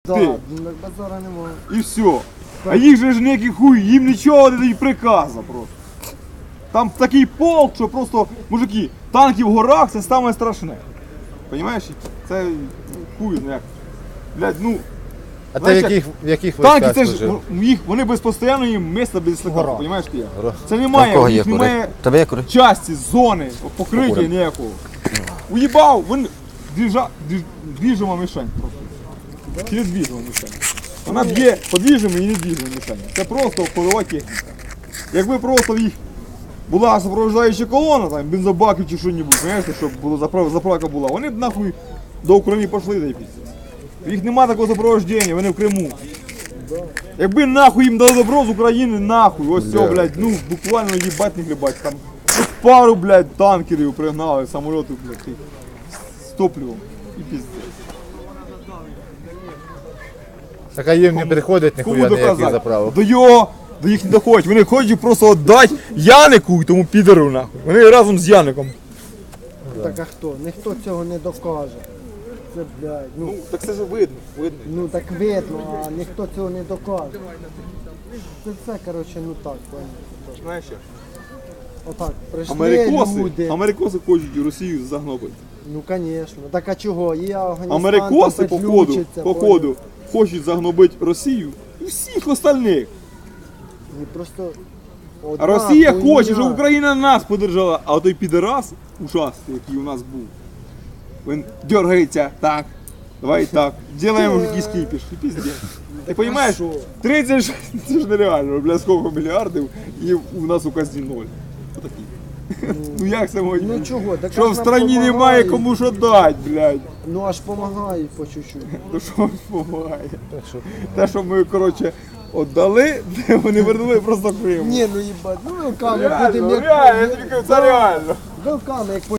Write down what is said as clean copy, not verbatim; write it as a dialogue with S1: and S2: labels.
S1: Да,
S2: Ти.
S1: ну базара немає.
S2: І все. А їх же ж ніякий хуй, їм нічого не дають приказу просто. Там такий полк, що просто, мужики, танки в горах це саме страшне. Понімаєш? Це хуй, ну як. Блядь, ну.
S3: А ти
S2: знаєш,
S3: в яких
S2: танки
S3: військах
S2: це ж
S3: служив?
S2: їх, вони без постійної міста без слика,
S1: Гора.
S2: понімаєш ти як?
S3: Гора.
S2: Це
S4: Та в
S2: немає,
S4: кого
S2: у
S4: є
S2: них
S4: кури?
S2: немає
S4: Тебе є кури?
S2: часті, зони, покриття
S4: Покурим.
S2: ніякого. Уїбав, він двіжима мішень просто. Через двіжима мішень. Вона б'є по двіжими і не двіжима мішень. Це просто ходова техніка. Якби просто в їх була супроводжуюча колона, там, бензобаків чи що-небудь, знаєте, щоб було заправка була, вони б нахуй до України пішли, да й піздець. Їх нема такого супроводження, вони в Криму. Якби нахуй їм дали добро з України, нахуй, ось все, блядь, ну буквально їбать не хлібать, там пару, блядь, танкерів пригнали, самоліти, блядь, з топливом і піздець.
S3: Так а їм не приходять
S2: Кому
S3: ніхуя ніяких
S2: доказати?
S3: заправок.
S2: До їх не доходять, вони хочуть просто віддати Янику і тому підеру, нахуй. Вони разом з Яником.
S1: Так а хто? Ніхто цього не докаже. Це, блядь, ну,
S2: Так це ж видно.
S1: ну так видно, а ніхто цього не докаже. Це все, коротше, ну так, понял.
S2: Знаєш як?
S1: Отак, прийшли люди.
S2: Америкоси хочуть Росію загнобити.
S1: Ну, звісно. Так а чого? Є Афганістан,
S2: Америкоси,
S1: там
S2: походу,
S1: підключиться,
S2: хочуть загнобити Росію і всіх остальних.
S1: І просто
S2: А
S1: одна
S2: Росія
S1: хуйня.
S2: хоче, щоб Україна нас подержала, а той підерас ужасний, який у нас був. Він дергається, так, давай так, делаємо якийсь кипіш, і піздець. Ти розумієш,
S1: що?
S2: 30, це ж нереально, бля, скільки мільярдів, і у нас у казні ноль. Отакий. Ну як це може
S1: Ну
S2: бути?
S1: чого? Так
S2: Що в страні немає кому що дати, блядь.
S1: Ну аж помагають по чуть-чуть.
S2: Ну що ж допомагає? Те, що ми, коротше, віддали, вони вернули просто Крим.
S1: Ні, ну їбать, ну вилками
S2: Реально,
S1: будемо
S2: реально, я тобі кажу, це реально.
S1: Вилками, як